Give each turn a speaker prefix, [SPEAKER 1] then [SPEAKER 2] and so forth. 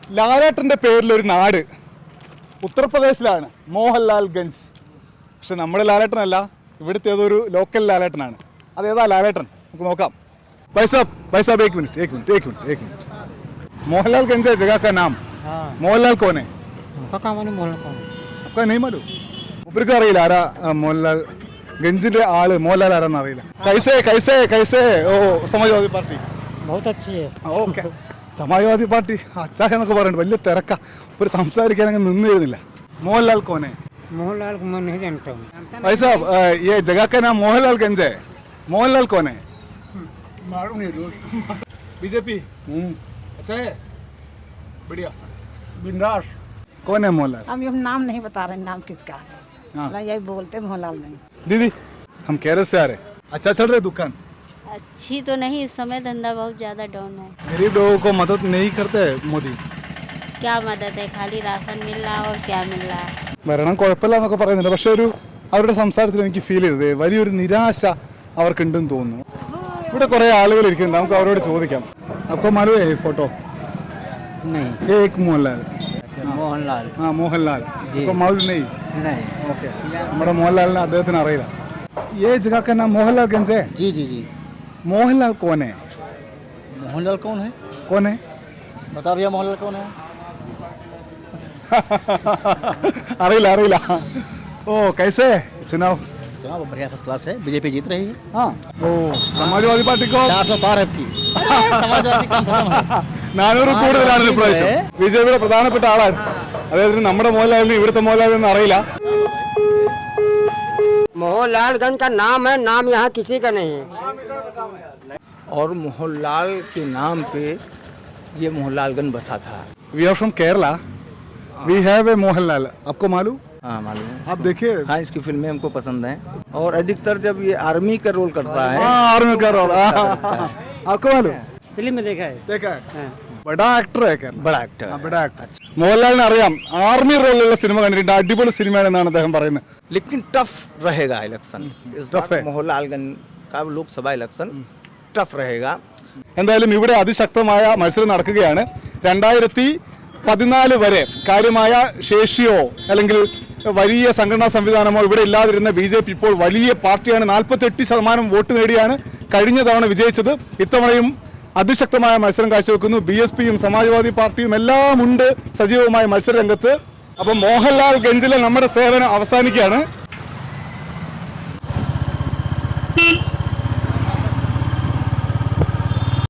[SPEAKER 1] ലാലേട്ടൻ്റെ പേരിലൊരു നാട് ഉത്തർപ്രദേശിലാണ്, മോഹൻലാൽ ഗഞ്ച്. പക്ഷെ നമ്മുടെ ലാലേട്ടനല്ല, ഇവിടുത്തെ ഏതൊരു ലോക്കൽ ലാലേട്ടനാണ്. അതേതാ ലാലേട്ടൻ നമുക്ക് നോക്കാം. भाई साहब एक मिनट मोहनलाल गंज है जगह का नाम. मोहनलाल कौन है? आपका नहीं मालूम? ऊपर അറിയില്ല ആരാ മോഹൻലാൽ ഗഞ്ചിലെ ആള്? മോഹൻലാൽ ആരാന്ന് അറിയില്ല. कैसे ഓ സമാജ്വാദി പാർട്ടി
[SPEAKER 2] बहुत अच्छी है.
[SPEAKER 1] ഓക്കെ, സമാജ്വാദി പാർട്ടി അച്ഛാ എന്നൊക്കെ പറയുന്നുണ്ട്. വലിയ തിരക്ക, ഒരു സംസാരിക്കാൻ അങ്ങ് നിന്നിരുന്നില്ല. മോഹൻലാൽ കോനെ?
[SPEAKER 2] मोहनलाल को मैं नहीं जानता हूँ.
[SPEAKER 1] भाई साहब ये जगह का नाम मोहनलाल गंज है. मोहनलाल कौन है?
[SPEAKER 2] मालूम नहीं दोस्त.
[SPEAKER 1] बीजेपी. अच्छा है, बढ़िया.
[SPEAKER 2] बिंदास.
[SPEAKER 1] कौन है मोहनलाल?
[SPEAKER 3] हम ये नाम नहीं बता रहे, नाम किसका है.
[SPEAKER 1] हाँ.
[SPEAKER 3] यही बोलते मोहनलाल नहीं.
[SPEAKER 1] दीदी हम केरल से आ रहे. अच्छा चल रहे दुकान?
[SPEAKER 4] अच्छी तो नहीं, इस समय धंधा बहुत ज़्यादा डाउन है.
[SPEAKER 1] गरीब लोगों को मदद नहीं करते मोदी.
[SPEAKER 4] क्या मदद है, खाली राशन मिल रहा और क्या मिल रहा है.
[SPEAKER 1] ഭരണം കുഴപ്പമില്ല എന്നൊക്കെ പറയുന്നുണ്ട്. പക്ഷെ അവരുടെ സംസാരത്തിൽ എനിക്ക് ഫീൽ ചെയ്തത് വലിയൊരു നിരാശ അവർക്കുണ്ടെന്ന് തോന്നുന്നു. ഇവിടെ കുറേ ആളുകൾ ഇരിക്കുന്നുണ്ട്, നമുക്ക് അവരോട് ചോദിക്കാം. आपको मालूम है फोटो?
[SPEAKER 2] नहीं.
[SPEAKER 1] ये एक मोहनलाल.
[SPEAKER 2] मोहनलाल.
[SPEAKER 1] हाँ मोहनलाल. आपको मालूम नहीं?
[SPEAKER 2] नहीं.
[SPEAKER 1] ഓക്കെ, നമ്മുടെ മോഹൻലാലിനെ അദ്ദേഹത്തിന് അറിയില്ല. ये जगह का नाम मोहनलाल गंज है.
[SPEAKER 2] जी जी जी.
[SPEAKER 1] मोहनलाल कौन है?
[SPEAKER 2] मोहनलाल कौन है?
[SPEAKER 1] कौन है?
[SPEAKER 2] बता भैया मोहनलाल कौन है?
[SPEAKER 1] അറിയില്ല. ഓ कैसे चुनाव?
[SPEAKER 2] चुनाव बढ़िया फर्स्ट क्लास है, बीजेपी जीत रही है.
[SPEAKER 1] हाँ. ओ समाजवादी पार्टी को
[SPEAKER 2] 400 पार है आपकी. समाजवादी काम खत्म है.
[SPEAKER 1] 400 കൂടുതലാണ് ഇപ്രാവശ്യം. ബിജെപിയുടെ പ്രധാനപ്പെട്ട ആളാണ് അദ്ദേഹത്തിന്. നമ്മുടെ മോഹൻലാലിന് ഇവിടുത്തെ മോഹൻലാലിനൊന്നും അറിയില്ല.
[SPEAKER 5] मोहनलालगंज का नाम है, नाम यहाँ किसी का नहीं है.
[SPEAKER 6] और मोहनलाल के नाम पे ये मोहनलालगंज बसा था.
[SPEAKER 1] We are from Kerala, we have a Mohanlal. आपको मालूम?
[SPEAKER 6] हाँ मालूम है.
[SPEAKER 1] आप देखिए.
[SPEAKER 6] हाँ, इसकी फिल्में हमको पसंद हैं और अधिकतर जब ये आर्मी का रोल करता है.
[SPEAKER 1] हाँ आर्मी का रोल. आपको मालूम?
[SPEAKER 2] फिल्म में देखा है.
[SPEAKER 1] देखा है. बड़ा एक्टर है केरला.
[SPEAKER 6] बड़ा एक्टर.
[SPEAKER 1] बड़ा एक्टर. മോഹൻലാലിനെ അറിയാം, ആർമി റോളിലുള്ള സിനിമ കണ്ടിട്ടുണ്ട്. അടിപൊളി സിനിമയാണെന്നാണ് അദ്ദേഹം പറയുന്നത്.
[SPEAKER 6] लेकिन टफ रहेगा इलेक्शन. इस
[SPEAKER 1] टफ है.
[SPEAKER 6] बार मोहनलालगंज का लोकसभा इलेक्शन टफ रहेगा.
[SPEAKER 1] എന്തായാലും ഇവിടെ അതിശക്തമായ മത്സരം നടക്കുകയാണ്. 2014 വരെ കാര്യമായ ശേഷിയോ അല്ലെങ്കിൽ വലിയ സംഘടനാ സംവിധാനമോ ഇവിടെ ഇല്ലാതിരുന്ന BJP ഇപ്പോൾ വലിയ പാർട്ടിയാണ്. 48% വോട്ട് നേടിയാണ് കഴിഞ്ഞ തവണ വിജയിച്ചത്. ഇത്തവണയും അതിശക്തമായ മത്സരം കാഴ്ചവെക്കുന്നു. BSPയും സമാജ്വാദി പാർട്ടിയും എല്ലാം ഉണ്ട് സജീവമായ മത്സര രംഗത്ത്. അപ്പം മോഹൻലാൽ ഗഞ്ചിലെ നമ്മുടെ സേവനം അവസാനിക്കുകയാണ്.